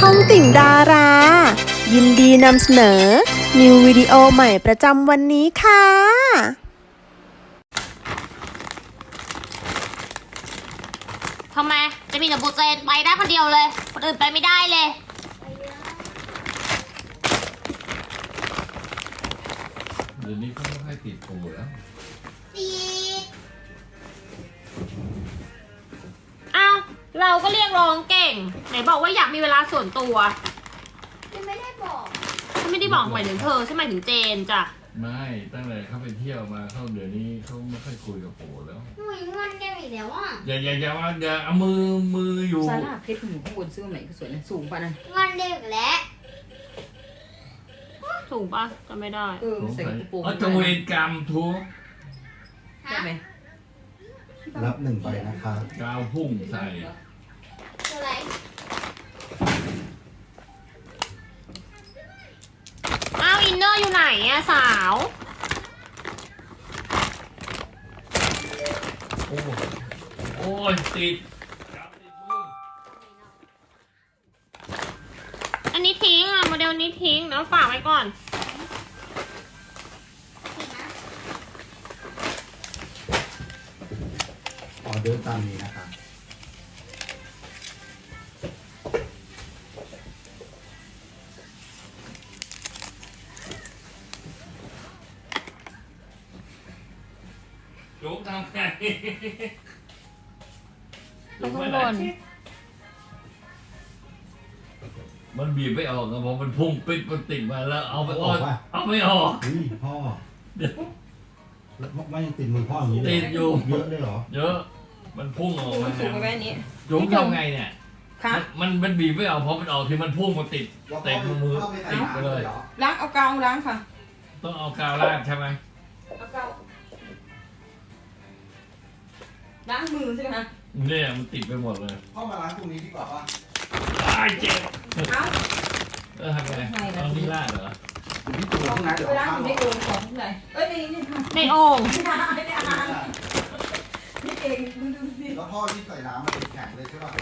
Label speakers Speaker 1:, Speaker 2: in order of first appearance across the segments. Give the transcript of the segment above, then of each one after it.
Speaker 1: องติ่งดารา ยินดีนำเสนอ นิววิดีโอใหม่ประจำวันนี้ค่ะ
Speaker 2: ทำไมจะมีแต่บูเจนไปได้คนเดียวเลยคนอื่นไปไม่ได้เลย
Speaker 3: เดี๋ยวนี้เขาไม่ค่อยติดโผแล้ว
Speaker 2: ติดอ้าวเราก็เรียกร้องเก่งไหนบอกว่าอยากมีเวลาส่วนตัว
Speaker 4: ยังไม่ได้บอก
Speaker 2: ฉันไม่ได้บอกหมายถึงเธอฉันหมายถึงเจนจ้ะ
Speaker 3: ไม่ตั้งแต่เขาไปเที่ยวมาเขาเดี๋ยวนี้เขาไม่ค่อยคุยกับโผแล้ว
Speaker 4: หนูยังงอนแกอีกแล้วอ่ะ
Speaker 3: อย่าเอามืออยู่
Speaker 5: ซาร่าเพชรหนูข้างบนซื้อมาไหนก็สวยนะสูงป่ะนั่น
Speaker 4: งอนเด็กแล้ว
Speaker 2: ถูกปะจำไม่ได้
Speaker 5: มันใส่กระโปรง
Speaker 3: ตะเวนกรรมทุก
Speaker 5: ได้ไหม
Speaker 6: รับหนึ่งใบนะคะ
Speaker 3: กาวพุ่งใส่
Speaker 4: คืออะไร
Speaker 2: อ้าวอินเนอร์อยู่ไหนอะสาว
Speaker 3: โอ้ยติด
Speaker 2: อันนี้ทิ้งอะโมเดลนี้ทิ้งแล้วฝากไว้ก่อน
Speaker 6: ออเดอร์ตามนี้นะคะ
Speaker 3: จุกทำไง
Speaker 2: ตรงข้างบน
Speaker 3: มันบีบไม่ออกนะเพราะมันพุ่งปิดมันติดมาแล้วเอาไม่ออก
Speaker 6: อุ้ยพ่อ
Speaker 3: เดี๋ยว
Speaker 6: แล้วไม่ยังติดมือพ่ออย่างนี้เล
Speaker 3: ติดอยู่
Speaker 6: เยอะเลยเหรอ
Speaker 3: เยอะมันพุ่งออกมา
Speaker 5: สูงไปแค่นี้
Speaker 3: จุกทำไงเนี่ย
Speaker 5: ค่ะ
Speaker 3: มันบีบไม่ออกเพราะมันออกที่มันพุ่งมาติดเต็มมือติดไปเลย
Speaker 5: ล้างเอากาวล้างค่ะ
Speaker 3: ต้องเอากาวราดใช่ไหม
Speaker 5: เอากาวล้างมือใช่ไหมคะ
Speaker 3: เนี่ยมันติดไปหมดเลย
Speaker 6: พ่อมาล้างตรงนี้ดีกว่าป่ะ
Speaker 3: ตายเจ็บ
Speaker 5: เอา
Speaker 3: ทำไงเอานี่ราดเหรอ
Speaker 6: อยู่ที่ตัวข้างในเดี๋ยว
Speaker 5: ไปล้าง
Speaker 6: ข้า
Speaker 5: อง ยู่ในโอ่งของข้างในเอ้ยนี่ค่ะ
Speaker 2: ในโอ่ง
Speaker 5: ไม่ได้ไม่ได้อ่านนี่เองดูสิ
Speaker 6: แล้วพ่อที่ใส่น้ำมันเป็นแข็งเลยใช่ป่ะ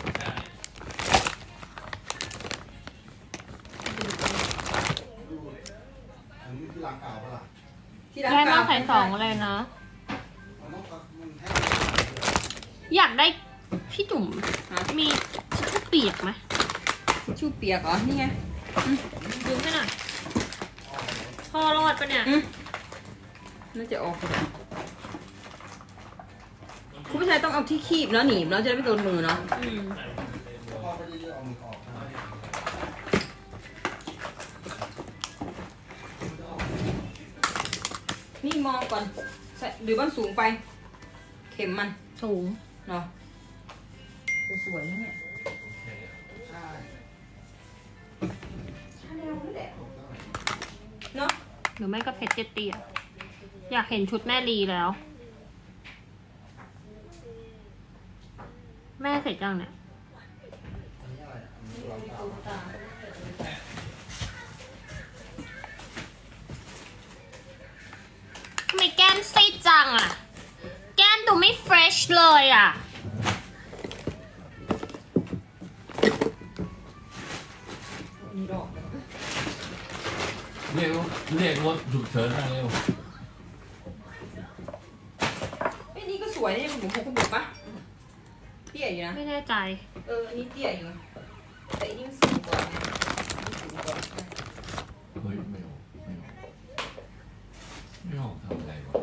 Speaker 6: อันนี้ที่ล้างกาวป่ะล่ะ
Speaker 5: ที่ล้าง
Speaker 2: ให้
Speaker 5: กา
Speaker 2: มาว ใส่สองเลยนะ
Speaker 6: มันแห้ง
Speaker 2: อยากได้พี่จุ๋มมีทิชชู่เปียกไหม
Speaker 5: ชูเปียกเหรอนี่ไง
Speaker 2: ยืมให้หน่อยพอรอดปะเนี่ย
Speaker 5: น่าจะออกเลยคุณผู้ชายต้องเอาที่คีบเนาะหนีบแล้วจะได้ไม่โดนมือเนาะ
Speaker 2: อืม
Speaker 6: พ่อไม่ได้เอามือออกนะ
Speaker 5: นี่มองก่อนใส่หรือมันสูงไป เข็มมัน
Speaker 2: สูง
Speaker 5: เนาะจะสวยนะเนี่ย
Speaker 6: ใช่
Speaker 5: เนาะ
Speaker 2: หรือไม่ก็เพชรเตี้ยๆอยากเห็นชุดแม่ลีแล้ว แม่เสร็จยังเนี่ยทำไมแก้มซีดจังอะแก้มดูไม่เฟรชเลยอะ
Speaker 5: มีดอก
Speaker 3: เรียกรถฉุกเฉินมาเร็ว
Speaker 5: ไอ้นี่ก็สวยนี่ผมพกคุณบุกปะเตี้ยอยู่นะ
Speaker 2: ไม่แน่ใจ
Speaker 5: อันนี้เตี้ยอยู่แต่อันนี้มันสูงกว่าไงสูงกว่า
Speaker 3: เฮ้ยไม่ออกทำอะไรวะ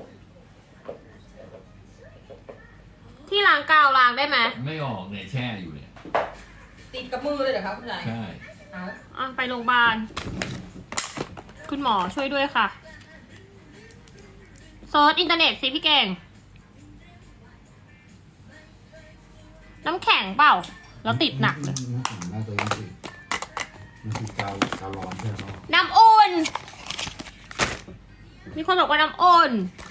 Speaker 2: ที่ล้างกาวล้างได้ไหม
Speaker 3: ไม่ออกเนี่ยแช่อยู่เนี่ย
Speaker 5: ติดกับมือเลยเหรอครับคุณนาย
Speaker 3: ใช่
Speaker 5: เอา
Speaker 2: อ่ะไปโรงพยาบาล คุณหมอช่วยด้วยค่ะเซิร์ชอินเทอร์เน็ตสิพี่เก่ง น้ำแข็งเปล่า แล้วติดหนักเลย
Speaker 6: น่าจะยังติดมันคือกาวร้อนใช่ไหม
Speaker 2: น้ำอุ่น มีคนบอกว่าน้ำอุ่น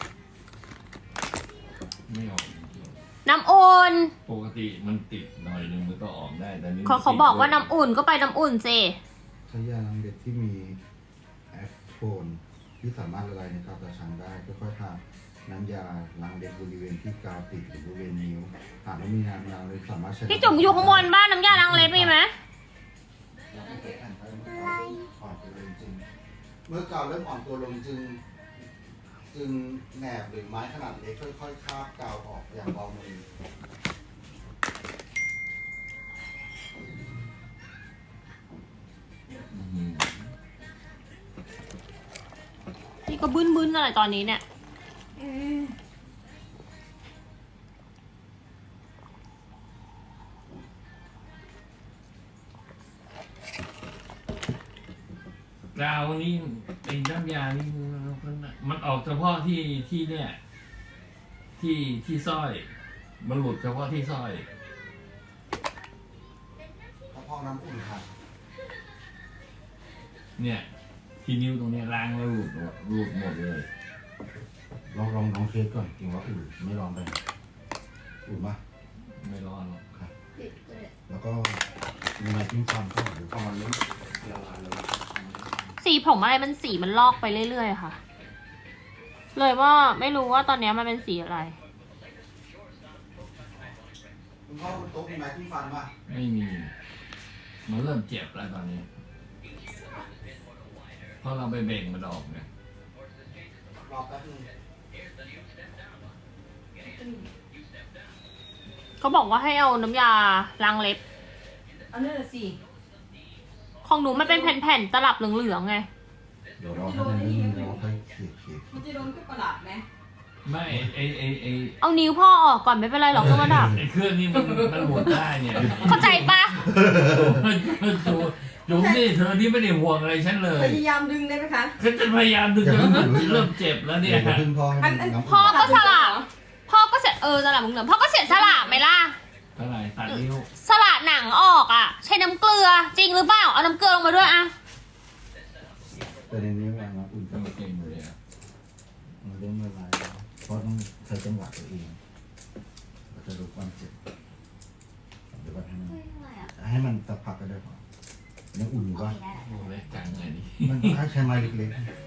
Speaker 3: ไม่ออก
Speaker 2: น้ำอุ่น
Speaker 3: ปกติมันติดหน่อยนึงมันก็ออกได้แต่นี่
Speaker 2: เขาบอกว่าน้ำอุ่นก็ไปน้ำอุ่นสิ
Speaker 6: ใช้ยาล้างเด็กที่มีแอคโทนที่สามารถละลายในกาวตาช้างได้ค่อยๆทาน้ำยาล้างเด็กบริเวณที่กาวติดหรือบริเวณนิ้วหากไม่มีน้ำล้างเล็บสามารถใช้
Speaker 2: พี่จุ๋มอยู่ข้างบนบ้านน้ำยาล้างเล็บมีไหม
Speaker 5: โอเค
Speaker 6: ตัวลงเมื่อกาวเริ่มอ่อนตัวลงจึงแหนบหรือไม้ขนาดเล็กค่อยๆคาบกาวออกอย่างเบามือ
Speaker 2: นี่ก็บึ้นๆอะไรตอนนี้เนี่ย
Speaker 3: กาวนี่ไอ้น้ำยานี่มันออกเฉพาะที่เนี่ยที่สร้อย มันหลุดเฉพาะที่สร้อย
Speaker 6: กระเพาะน้ำอุ่นค่ะ
Speaker 3: เนี่ย ที่นิ้วตรงเนี้ยล้างแล้วหลุดหมดเลย
Speaker 6: ลองเทสก่อนจริงว่าอุ่นไม่ร้อนไปอุ่นปะ
Speaker 3: ไม่ร้อนหรอก
Speaker 6: ครับแล้วก็มีไม้จิ้มฟันเข้าหรือพอมันเริ่มละลายแล้ว
Speaker 2: สีผมอะไรมันสีมันลอกไปเรื่อยๆค่ะ เลยว่าไม่รู้ว่าตอนเนี้ยมันเป็นสีอะไร
Speaker 6: คุณพ่อบนโต๊ะมีไม้จิ้มฟันปะ
Speaker 3: ไม่มี มันเริ่มเจ็บแล้วตอนนี้ เพราะเราไปเบ่งมันออกเนี่ย
Speaker 6: รอแป๊บนึง
Speaker 2: เขาบอกว่าให้เอาน้ำยาล้างเล็บ
Speaker 5: อันนั้นน่ะสิ
Speaker 2: ของหนูมันเป็นแผ่นๆตลับเหลืองๆไง
Speaker 6: เดี๋ยวเราให้มันนิ่มๆเราค่อยเขี่ย
Speaker 5: มันจะโดนกับประหลาดไหม
Speaker 3: ไม่ไอ
Speaker 2: เอานิ้วพ่อออกก่อนไม่เป็นไรหรอกเครื่องประดับ
Speaker 3: ไอเครื่องนี้มันหมุนได้เนี่ย
Speaker 2: เข้าใจปะ
Speaker 3: จุ๋มนี่เธอนี่ไม่ได้ห่วงอะไรฉันเลย
Speaker 5: พยายามดึงได้ไหมคะ
Speaker 3: ก็จะพยายามดึงจนมันเริ่มเจ็บแล้ว
Speaker 6: ๆ
Speaker 3: เนี่
Speaker 6: เดี๋
Speaker 3: ย
Speaker 6: ยวพึ่งพ่อให้มันน้ำ
Speaker 2: พ่อ
Speaker 6: อุ่น
Speaker 2: ก็สละพ่อก็เสียสละมึงเหลือพ่อก็เสียสละไหมล่ะ
Speaker 3: เท่าไหร่ตัดนิ้ว
Speaker 2: สละหนังออกอ่ะ ใช้น้ำเกลือจริงหรือเปล่าเอาน้ำเกลือลงมาด้วยอ่ะ
Speaker 6: แต่ในนี้วางน้ำอุ่น
Speaker 3: ก็เก่งเลยอะ
Speaker 6: มันเริ่มละลายแล้วเพราะต้องใช้จังหวะตัวเองเราจะรู้ความเจ็บเดี๋ยวก่อนให้มันสักพักก็ได้พอยังอุ่นอยู่
Speaker 4: โอ
Speaker 6: ป่ะ
Speaker 4: เคได้แล้ว
Speaker 3: โอ้เล็กจังเลยนี่
Speaker 6: มันถ้าใช้ไม้เล็ก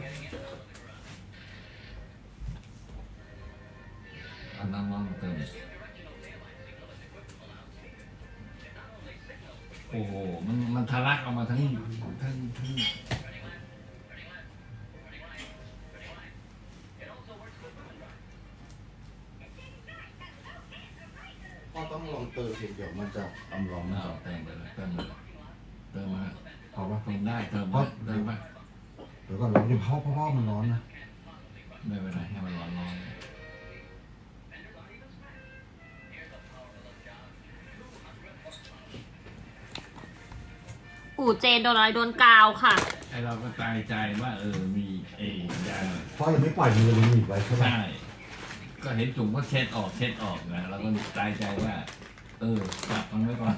Speaker 3: เอาน้ำร้อนมาเติมโอ้โหมันทะลักออกมาทั้ง
Speaker 6: ๆพ่อต้องลองเติมเดี๋ยวมันจะอำร้อนมัน
Speaker 3: เอา
Speaker 6: จะ
Speaker 3: เติมไปเลยเติมมา
Speaker 6: เพราะว่า
Speaker 3: เติมได้เติมมา
Speaker 6: เดี๋ยวก่อนเราจะพ่อมันร้อนนะ
Speaker 3: ไม่เป็นไรให้มันร้อน
Speaker 2: ปู่เจนโดนอะไรโดนกาวค่ะ
Speaker 3: ไอเราก็ตายใจว่ามีไอ้ยา
Speaker 6: พ่อยังไม่ปล่อยมือเลยหนีบไว้ใช่ไหม
Speaker 3: ใช่ก็เห็นจุ่มก็เช็ดออกนะเราก็ตายใจว่าจับมันไว้ก่อน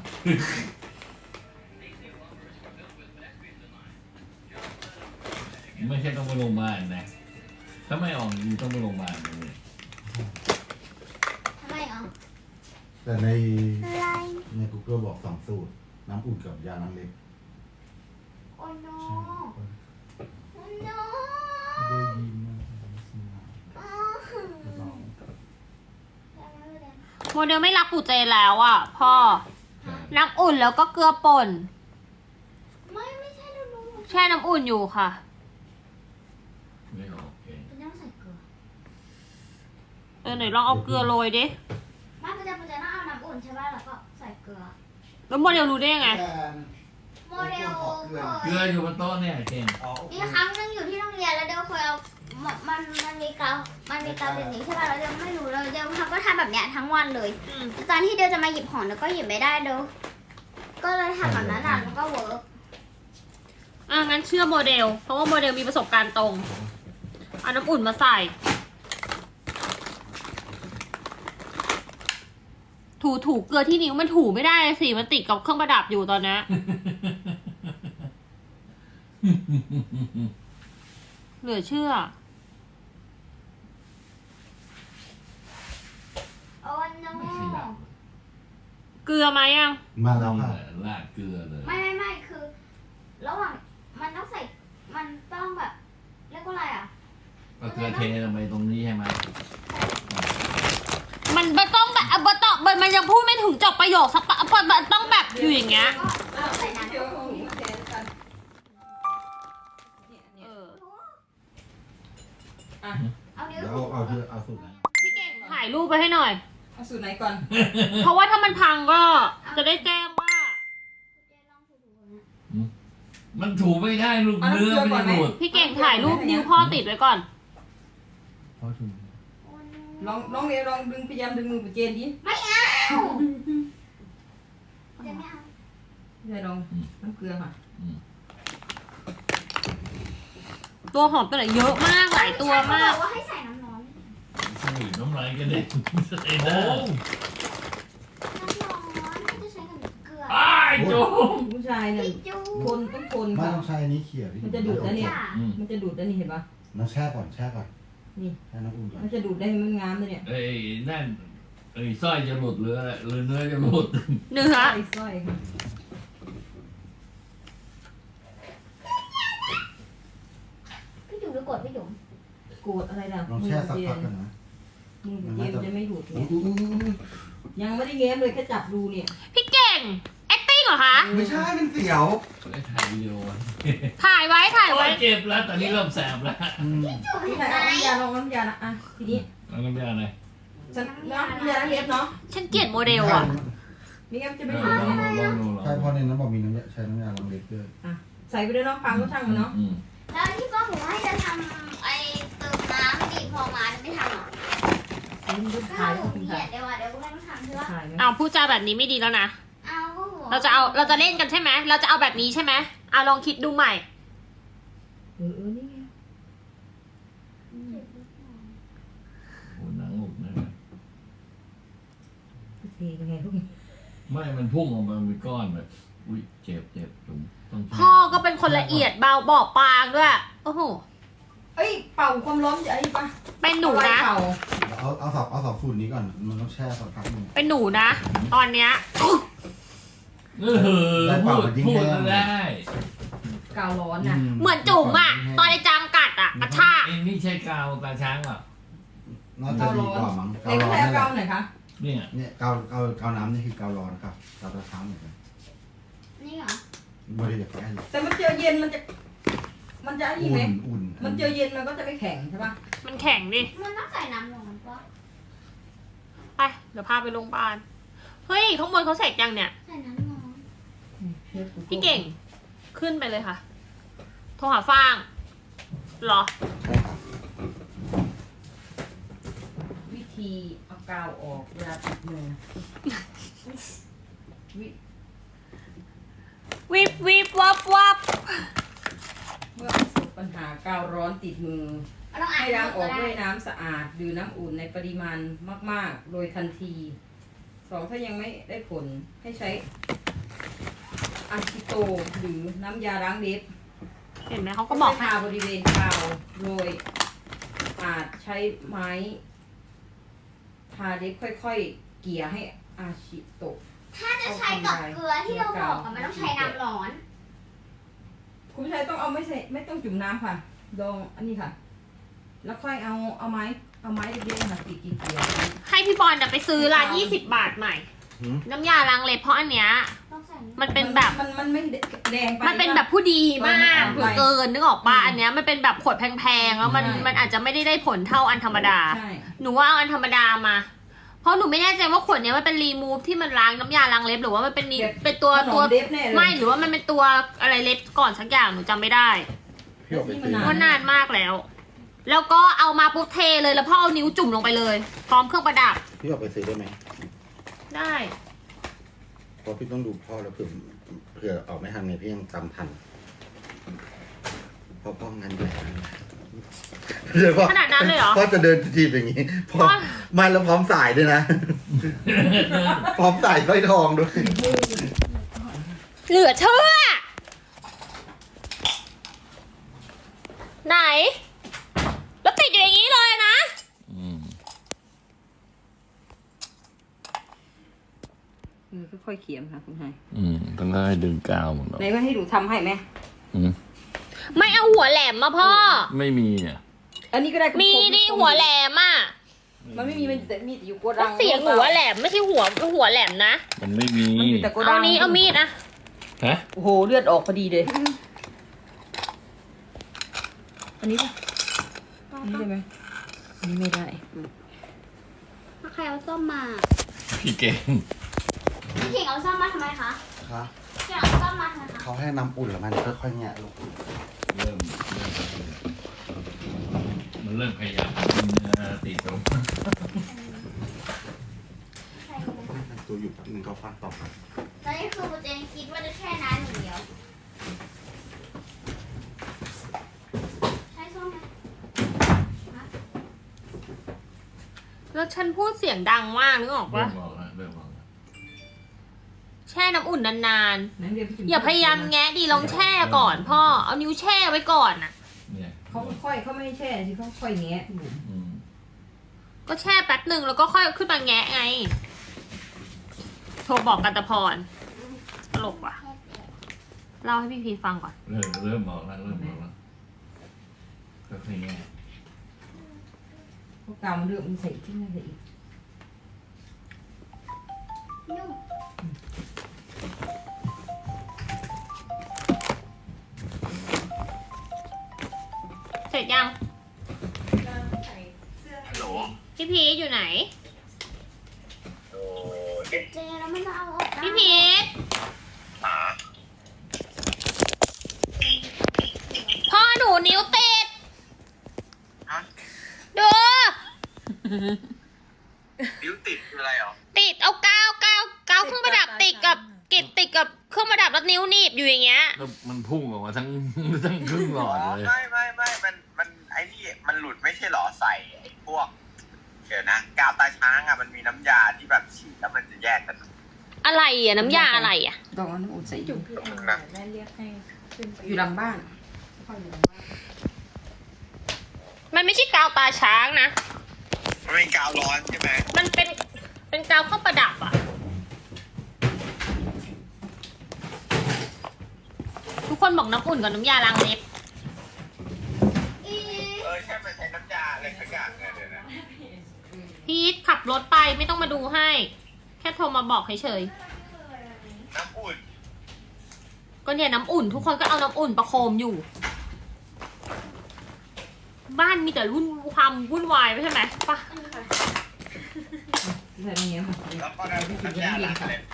Speaker 3: ไม่ใช่ต้องไปโรงพยาบาลนะถ้าไม่ออกจริงต้องไปโรงพยาบาลเลย
Speaker 4: ทำไมอ่ะ
Speaker 6: แต่ใน
Speaker 4: อะไร
Speaker 6: Google บอก2สูตรน้ำอุ่นกับยาน้ำเล็ก
Speaker 4: โอ้โนโอ้โน
Speaker 6: ได้ยินมาก
Speaker 4: อ๋อ
Speaker 2: โมเดลไม่รักปู่เจนแล้วอ่ะพ่อ น้ำอุ่นแล้วก็เกลือป่น
Speaker 4: ไม่ใช่ดูดู
Speaker 2: แช่น้ำอุ่นอยู่ค่ะ
Speaker 3: ไม่ออกเอง
Speaker 4: เป็นน้ำใส่เกลือ
Speaker 2: ไหนลองเอาเกลือโรยดิ
Speaker 4: มาประจำต้องเอาน้ำอุ่นใช่ป่ะแล้วก็ใส่เกลือ
Speaker 2: แล้วโมเดลรู้ได้ยังไง
Speaker 4: โมเดล
Speaker 3: เกลืออยู่บนโต๊ะเนี่ยเก่ง
Speaker 4: มีครั้งนึงอยู่ที่โรงเรียนแล้วเดลเคยเอามันมีกาวเป็นอย่างนี้ใช่ป่ะแล้วเดลไม่รู้เลยเดลก็ทำแบบเนี้ยทั้งวันเลยตอนที่เดลจะมาหยิบของเดลก็หยิบไม่ได้เดลก็เลยทำแบบนั้นแล้วก็เวิร์ก
Speaker 2: งั้นเชื่อโมเดล เพราะว่าโมเดลมีประสบการณ์ตรง เอาน้ำอุ่นมาใส่ ถูเกลือที่นิ้วมันถูไม่ได้สิ มันติดกับเครื่องประดับอยู่ตอนนี้ เหลือเชื่อ
Speaker 4: โอ้โน
Speaker 3: ไม่ขยับ
Speaker 2: เกลือไหมยัง
Speaker 6: มาแล้วค่ะ
Speaker 3: ลาดเกลือเลย
Speaker 4: ไม่คือ ระหว่างมันต้องใส่มันต้องแบบเรียกว่าอะไรอ่ะ
Speaker 3: ก็เกลือเทลงไปตรงนี้ใช่ไหม
Speaker 2: มันต้องแบบมันยังพูดไม่ถึงจบประโยคสักมันต้องแบบอยู่อย่างเงี้ย
Speaker 4: ก็ใส่น้ำ
Speaker 5: เดี๋ยวของแทนกัน
Speaker 4: เอานิ้ว
Speaker 6: เดี๋ยว
Speaker 4: ถู
Speaker 6: เอาสูตรไหน
Speaker 2: พี่เก่งถ่ายรูปไปให้หน่อย
Speaker 5: เอาสูตรไหนก่อน
Speaker 2: เพราะว่าถ้ามันพังก็จะได้แจ้งว่า
Speaker 3: มันถูไม่ได้ลูกเนื้อไม่ได้หลุด
Speaker 2: พี่เก่งถ่ายรูปนิ้วพ่อติดไว้ก่อน
Speaker 6: พ่อชุม
Speaker 5: ลองเรียนลองดึงพยายามดึงมือไปเจนดิ
Speaker 4: ไม่เอาจะไม่เอา
Speaker 5: ไม่ได้ลองน้ำเกลือค่ะ
Speaker 2: ตัวหอมตัวไหนเยอะมากหลายตัวมาก
Speaker 4: เขบอกว่าให้ใส่น้ำร้อน
Speaker 3: ใช่น้ำลายกันเด็กไอ้เด้อ
Speaker 4: น้ำร้อนไม่จะใช้กับเกลือ
Speaker 3: ไอ้โจ
Speaker 5: ผู้ชายเนี่ย
Speaker 4: พี่จู
Speaker 5: คนต้องคน
Speaker 6: ไม่
Speaker 5: ค่ะ
Speaker 6: ต้องใช้อันนี้เขี่ยพี่
Speaker 5: มันจะดูดนะเนี่ย
Speaker 4: จ้ะ
Speaker 5: มันจะดูดได้นี่เห็นปะ
Speaker 6: น้ำแช่ก่อนแช่ก่อน
Speaker 5: นี่
Speaker 6: แช่น้ำอุ่นก่อน
Speaker 5: มันจะดูดได้มันงามเลยเนี่ย
Speaker 3: ไอ้นั่นไอ้สร้อยจะหลุดหรืออะไรหรือเนื้อจะหลุด
Speaker 2: เนื้อ
Speaker 5: สร้อยค่ะ
Speaker 4: พี่จูหรือกดพี่จุ๋ม
Speaker 5: โกรธอะไรล่ะ
Speaker 6: ลองแช่สักพักกันนะ
Speaker 5: มือเจนจะไม่ดูด
Speaker 6: อุ๊
Speaker 5: เนี่ย
Speaker 6: ย
Speaker 5: ยังไม่ได้แง้มเลยแค่จับดูเนี่ย
Speaker 2: พี่เก่ง acting เหรอคะ
Speaker 6: ไม่ใช่มันเสียว
Speaker 3: ไอ้ถ่ายวิดีโอไว้
Speaker 2: ถ่ายไว้ถ่าย
Speaker 3: โอ้
Speaker 2: ไว้
Speaker 3: ยเจ็บแล้วตอนนี้เริ่มแสบแล้ว
Speaker 4: จุ๋ม
Speaker 5: พี่
Speaker 4: เห็น
Speaker 5: ชาย
Speaker 4: ไหม
Speaker 5: เอาน้ำยาลองน้ำยาละอ่ะทีนี้
Speaker 3: เอาน้ำยาหน่อย
Speaker 5: ฉันน้ำยาล้างเล็บเนาะ
Speaker 2: ฉันเกลียดโมเดลอ่ะ
Speaker 5: นี่งั้นจะไม่
Speaker 3: ล
Speaker 5: ดูด
Speaker 3: อง
Speaker 5: เนี่ย
Speaker 3: ดู
Speaker 6: ใช่เพราะในนั้นบอกมีน้ำยาใช้น้ำยาล้างเล็บด้วย
Speaker 5: อ่ะใส่ไปด้วยเนาะพังก็ช่างมันเนาะ
Speaker 4: แล้วที่ป้าหมูให้จะทำไอ้เติมน้ำดีพอมาจะไม่ทำหรอ
Speaker 5: มันจะ
Speaker 4: ก็
Speaker 5: ถ่าย
Speaker 4: ห
Speaker 5: ก็
Speaker 4: นู
Speaker 5: คุณ
Speaker 4: เกลี
Speaker 5: ถ่าย ย
Speaker 4: ดเดี๋ยวเดี๋ยวก็ไม่ต้องทำใช่ปะ
Speaker 5: ถ่ายไหม
Speaker 2: เอาพูดจาแบบนี้ไม่ดีแล้วนะ
Speaker 4: เอาก็หัว
Speaker 2: เราจะเล่นกันใช่ไหมเราจะเอาแบบนี้ใช่ไหมเอาลองคิดดูใหม่
Speaker 5: นี่ไง
Speaker 3: โอ้หนังหลุดนะ
Speaker 5: เทยังไงพวกนี้
Speaker 3: ไม่มันพุ่งออกมาเป็นก้อนแบบอุ้ยเจ็บจุ๋มต้อง
Speaker 2: พ่อก็เป็นคนละเอียดเบาบอบบางด้วย โอ้โห
Speaker 5: เอ้ยเป่าความร้อนจะไอ้ปะ
Speaker 2: เป็นหนูนะ
Speaker 5: เป่า
Speaker 6: เอาสอบสูตรนี้ก่อนมันต้องแช่สักพักหนึง
Speaker 2: เป็นหนูนะ ตอนเนี้ย
Speaker 3: พูดได้
Speaker 5: กาวร้อนน่ะ
Speaker 2: เหมือนจุ๋มอ่ะ ตอนไอ้จามกัดอ่ะกระชาก
Speaker 3: เอ็นนี่ใช่กาวตาช้างเหรอ
Speaker 6: น่าจะดีกว่ามั้ง
Speaker 5: เอ็ง
Speaker 6: ร้อน
Speaker 5: ใช้
Speaker 6: นี่แห
Speaker 5: กา
Speaker 6: ละ
Speaker 5: วไหนคะ
Speaker 3: เนี่ย
Speaker 6: เนี่ยกาวน้ำนี่คือกาวร้อนครับกาวตะช้างเหมือนกัน
Speaker 4: นี่เหรอ
Speaker 6: บริเวณใกล้
Speaker 5: แต่มันเจอเย็นมันจะไอ้นี่ไหม
Speaker 6: อุ่น
Speaker 5: มันเจอเย็นมันก็จะไม่แข็งใช่ปะ
Speaker 2: มันแข็งดิ
Speaker 4: มันต้องใส่น้ำร้อนปะ
Speaker 2: ไป เดี๋ยวพาไปโรงพยาบาล เฮ้ย ข้างบนเขาเสร็จยังเนี่ย
Speaker 4: ใส่น้ำร้อน
Speaker 2: พี่เก่ง ขึ้นไปเลยค่ะ โทรหาฟางเหรอ
Speaker 6: ใช่ครับ
Speaker 5: วิธีเอากาวออกเวลาติดมือ
Speaker 2: วิบวิบวับวับ
Speaker 5: เมื่อประสบปัญหากาวร้อนติดมือ
Speaker 4: มันต้องอ่าน
Speaker 5: ให้ล้างออก
Speaker 4: ได้
Speaker 5: ด้วยน้ำสะอาดดื่มน้ำอุ่นในปริมาณมากๆ โดยทันที 2 ถ้ายังไม่ได้ผลให้ใช้อะซิโตหรือน้ำยาล้างเล็บ
Speaker 2: เห็นไหมเขาก็บอก
Speaker 5: ทาบริเวณกาวโดยอาจใช้ไม้ทาเล็บค่อยๆ เกี่ยให้อาชิโตะ
Speaker 4: ถ้าจะใช้กับเกลือที่เราบอกอะมันต้องใช้น้ำร้อน
Speaker 5: คุณผู้ชายต้องเอาไม่ต้องจุ่มน้ำค่ะลองอันนี้ค่ะ แล้วค่อยเอาไม้เล็กๆค่ะตีกี่เกี่ยว
Speaker 2: ให้พี่บอลน่ะไปซื้อร้าน20 บาทใหม่ น้ำยาล้างเล็บเพราะอันเนี้ย
Speaker 4: ต้องใส่
Speaker 2: มันเป็นแบบ
Speaker 5: มันไม่แดงไป
Speaker 2: มันเป็นแบบผู้ดีมาก
Speaker 5: มัน
Speaker 2: เกินนึกออกปะอันเนี้ยมันเป็นแบบขวดแพงๆแล้วมันอาจจะไม่ได้ผลเท่าอันธรรมดา
Speaker 5: ใช่
Speaker 2: หนูว่าเอาอันธรรมดามา เพราะหนูไม่แน่ใจว่าขวดเนี้ยมันเป็นรีมูฟที่มันล้างน้ำยาล้างเล็บหรือว่ามันเป็นตัว
Speaker 5: ขนมเล็บแน่เลย
Speaker 2: ไม่หรือว่ามันเป็นตัวอะไรเล็บก่อนสักอย่างหนูจำไม่ได้
Speaker 6: พี่ออกไปซื้อ
Speaker 2: ว่านานมากแล้ว แล้วก็เอามาปุ๊บเทเลยแล้วพ่อเอานิ้วจุ่มลงไปเลย พร้อมเครื่องประดับ
Speaker 6: พี่ออกไปซื้อได้ไหม
Speaker 2: ได้
Speaker 6: เพราะพี่ต้องดูพ่อแล้วเผื่อออกไม่ทันไงพี่ยังตามทันเพราะพ่องานใหญ่เดี๋ยวพ่อ
Speaker 2: ขนาดนั้นเลยเหรอ
Speaker 6: พ่อจะเดินจีบอย่างนี้พ่อมาแล้วพร้อมสายด้วยนะ พร้อมสายสร้อยทองด้วย
Speaker 2: เหลือเชื่อ ไหน แล้วติดอยู่อย่างนี้เลยนะ
Speaker 5: ค่อยๆเขียมค่ะคุณชาย
Speaker 3: ต้องให้ดึงกาวหมด
Speaker 5: ไหนว่าให้ดูทำให้ไหม
Speaker 2: ไม่เอาหัวแหลมมาพ่อ
Speaker 3: ไม่มีอ่ะ
Speaker 5: อันนี้ก็ได้
Speaker 2: มีดิหัวแหลมอ่ะ
Speaker 5: มันไม่มีมันแต่มีแต่อยู่โกดั
Speaker 2: แล้ว
Speaker 5: ง
Speaker 2: เสียงหัวแหลมไม่ใช่หัวแหลมนะ
Speaker 3: มันไม่มี
Speaker 5: มันอยู่แต่โกดั
Speaker 2: เอา
Speaker 5: ง
Speaker 2: นี้เอามีดนะ
Speaker 3: ฮะ
Speaker 5: โอ้โหเลือดออกพอดีเลยอันนี้ป่ะอันนี้ได้ไหมนี่ไม่ได้
Speaker 4: ใครเอาส้มมา
Speaker 3: พี่เก่ง
Speaker 4: พี่เก่งเอาส้มมาทำไมคะ
Speaker 6: คะ
Speaker 4: เก่งเอาส้มมาทำไมคะ
Speaker 6: เขาให้น้ำอุ่นแล้วมันค่อยๆแงะลูก
Speaker 3: มันเริ่มขยับกินเนื้อติดตรง
Speaker 4: ใช่ไหม
Speaker 6: มันตัวอยู่แป๊บนึงก็ฟังต่อครับ
Speaker 4: ตอนนี้คือโบเจนคิดว่าจะแช่น้ำอย่างเดียวใช้ส้มไหม
Speaker 2: แล้วฉันพูดเสียงดังมากนึกออก
Speaker 3: เริ่
Speaker 2: ปะ
Speaker 3: มบอกแล้วเริ่มบอกแล้ว
Speaker 2: แช่น้ำอุ่นนาน
Speaker 5: นั้นเดี๋ยวพี่จุ๋
Speaker 2: ๆ อย่าพยายามแงะดีลองแช่ก่อนพ่อ เอานิ้วแช่ไว้ก่อนน่ะ
Speaker 3: เนี่ย
Speaker 5: เขาค่อยๆเขาไม่ให้แช่สิเขาค่อยแงะบุ๋ม
Speaker 3: อืม
Speaker 2: ก็แช่แป๊บหนึ่งแล้วก็ค่อยขึ้นมาแงะไง โทรบอกกันตะพรตลกว่ะ เล่าให้พี่พีฟังก่อน
Speaker 3: เริ่มบอกแล้วเริ่มบอกแล้วก็คือไง
Speaker 5: พวกกาวมันเริ่มมันใส่ที่นั่นใส่อีก
Speaker 4: นุ่ม
Speaker 2: เสร็จยัง
Speaker 7: ฮัลโหล
Speaker 2: พี่พีชอยู่ไหน
Speaker 7: โอ้
Speaker 4: เจแล้วมันจะเอาออกได้
Speaker 2: พี่พีช
Speaker 7: หา
Speaker 2: พ่อหนูนิ้วติด
Speaker 7: ฮะ
Speaker 2: ดู
Speaker 7: นิ้วติดคืออะไรเหรอ
Speaker 2: ติดเอากาวเครื่องประดับติดกับติดกับเครื่องประดับแล้วนิ้วหนีบอยู่อย่างเงี้ย
Speaker 3: แล้วมันพุ่งออกมาทั้ง ทั้งครึ่งหลอดเลย
Speaker 7: ไม่มันไอ้นี่มันหลุดไม่ใช่เหรอใส่ไอ้พวกเดี๋ยวนะกาวตาช้างอ่ะมันมีน้ำยาที่แบบฉีดแล้วมันจะแยกกัน
Speaker 2: อะไรอ่ะน้ำยาอะไรอ่ะ
Speaker 5: ดอกน้ำอุ่นใส่อยู่
Speaker 7: ตรงนึงนะ
Speaker 5: อยู่หลังบ้านค่อยอยู่หลังบ้าน
Speaker 2: มันไม่ใช่กาวตาช้างนะ
Speaker 7: มันเป็นกาวร้อนใช่ไหม
Speaker 2: มันเป็นกาวเครื่องประดับอ่ะ ทุกคนบอกน้ำอุ่นกับน้ำยาล้างเล็บ
Speaker 4: อี
Speaker 7: ใช่มันใช้น้ำยาอะไรสักอย่างเนี่ยเดี๋ยวนะ
Speaker 2: พีทขับรถไปไม่ต้องมาดูให้ แค่โทรมาบอกเฉย
Speaker 7: น้ำอุ่น
Speaker 2: ๆก็เนี่ยน้ำอุ่น ทุกคนก็เอาน้ำอุ่นประโคมอยู่ บ้านมีแต่ความวุ่นวายไม่ใช่ไหมปะ
Speaker 5: ใส่ตรงนี้ค่ะ
Speaker 7: แล้วก็น้ำยาล้างเล็บ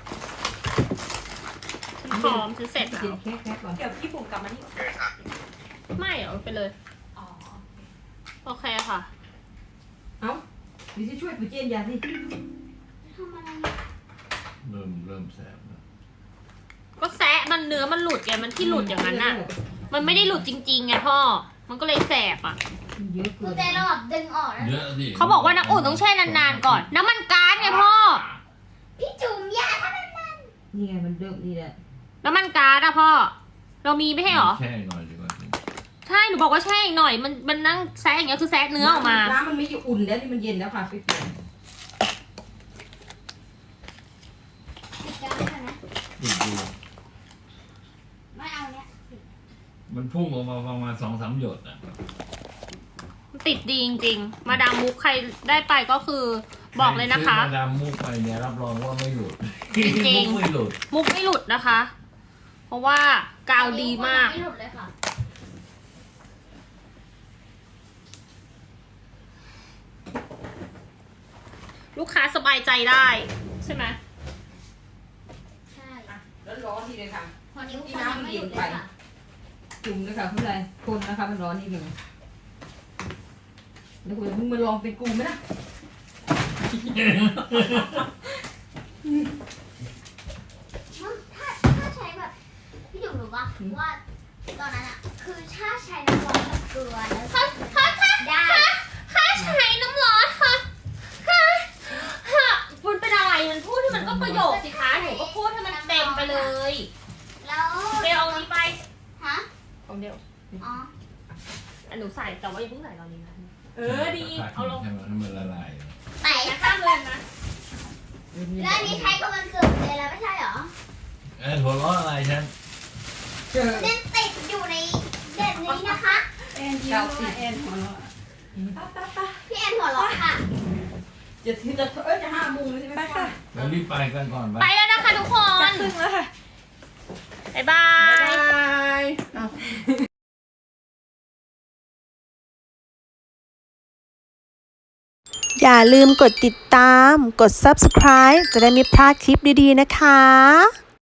Speaker 2: ฉันพร้อมฉันเสร็จแล้ว
Speaker 5: กินแค่ก่อน
Speaker 8: เดี๋ยวพี่บุ๋มกลับมานี่
Speaker 7: โอเคค่ะ
Speaker 2: ไม่เอาไปเลย
Speaker 8: อ๋อ
Speaker 2: โอเคค่ะ
Speaker 5: เอ้าเดี๋ยวจะช่วยปุ๋ยเจนยาสิ
Speaker 4: ทำอะไร
Speaker 3: เริ่มแสบแล้ว
Speaker 2: ก็แซะมันเนื้อมันหลุดไงมันที่หลุดอย่างนั้นน่ะ มันไม่ได้หลุดจริงๆไงพ่อ มันก็เลยแสบอ่ะ
Speaker 5: เยอะ
Speaker 4: กู
Speaker 5: เกิน
Speaker 4: เจเราแบบดึงออกแล้ว
Speaker 3: เยอะดิ
Speaker 2: เขาบอกว่าน้ำอุ่นต้องแช่นานๆก่อน น้ำมันก๊าซไงพ่อ
Speaker 4: พี่จุ๋มยาทำไมมัน
Speaker 5: นี่ไงมันเริ่มนี่แหละ
Speaker 2: น้ำมันก๊าซอะพ่อ เรามีไม่ใช่เหรอ
Speaker 3: แช่หน่อยดีกว่า
Speaker 2: ใช่ หนูบอกว่าแช่อีกหน่อย มันนั่งแซะอย่างเงี้ยคือแซะเนื้อออกมา
Speaker 5: น้ำมันไม่อยู่อุ่นแล้วนี่มันเย็นแล้วค่ะไปเปลี่ยน
Speaker 4: ติดกันใช่ไหม
Speaker 3: ดู
Speaker 4: ไม่เอาเนี้ย
Speaker 3: มันพุ่งออกมาประมาณ2-3 หยดอ่ะ
Speaker 2: ติดดีจริงๆ มาดามมุกใครได้ไปก็คือบอกเลยนะคะ
Speaker 3: ซื้อมาดามมุกไปเนี่ยรับรองว่าไม่หลุด
Speaker 2: จริงๆ
Speaker 3: มุกไม่หลุด
Speaker 2: มุกไม่หลุดนะคะ เพราะว่ากาวดีมาก
Speaker 4: ไม่หลุดเลยค่ะ
Speaker 2: ลูกค้าสบายใจได้ ใช่ไหม
Speaker 4: ใช่
Speaker 5: แล้วร้อนทีเลยค่ะ
Speaker 4: พอนิ้วเขายังไม่หลุดเลยค่ะ
Speaker 5: จุ่มเลยค่ะคุณเลยคนนะคะมันร้อนนิดหนึ่งแล้วคุณมึงมาลองเป็นกูไหมนะ
Speaker 4: ถ้าใช้แบบพี่จุ๋มรู้ป่ะว่าตอนนั้นอะคือถ้าใช้น้ำร้อนกับเกลือแล้วได้
Speaker 2: ค่าใช้น้ำร้อนค่ะมันเป็นอะไร มันพูดที่มันก็ประโยคสิคะหนูก็พูดให้มันเต็มไปเลย
Speaker 4: แล้ว
Speaker 2: เดี๋ยวเอานี้ไป
Speaker 4: ฮะ
Speaker 2: ของเดียว
Speaker 4: อ๋อ
Speaker 2: อันหนูใส่แต่ว่าอย่าเพิ่งใส่ตอนนี้นะดี เอาลง
Speaker 3: ให้มันละลาย
Speaker 4: ไหน
Speaker 2: อย่าข้ามเลยนะ
Speaker 4: แล้วอันนี้ใช้กับวันเกิดเลยแล้วไม่ใช่เหรอ
Speaker 3: หัวเราะอะไรฉัน
Speaker 5: เจอ
Speaker 4: เด่นติดอยู่ในเด่นนี้นะคะ
Speaker 8: แอนยิ้มว่าแอนหัวเราะป้า
Speaker 4: พี่แอนหัวเราะค่ะ
Speaker 5: จะจะ5 โมงเลยใช่ไหม
Speaker 8: ไปค่ะ
Speaker 3: แล้วรีบไปกันก่อนไป
Speaker 2: ไปแล้วนะคะทุกคน
Speaker 8: ครึ่งแล้วค่ะ
Speaker 2: บ๊ายบาย
Speaker 8: บาย
Speaker 1: อย่าลืมกดติดตาม กด subscribe จะได้ไม่พลาดคลิปดีๆนะคะ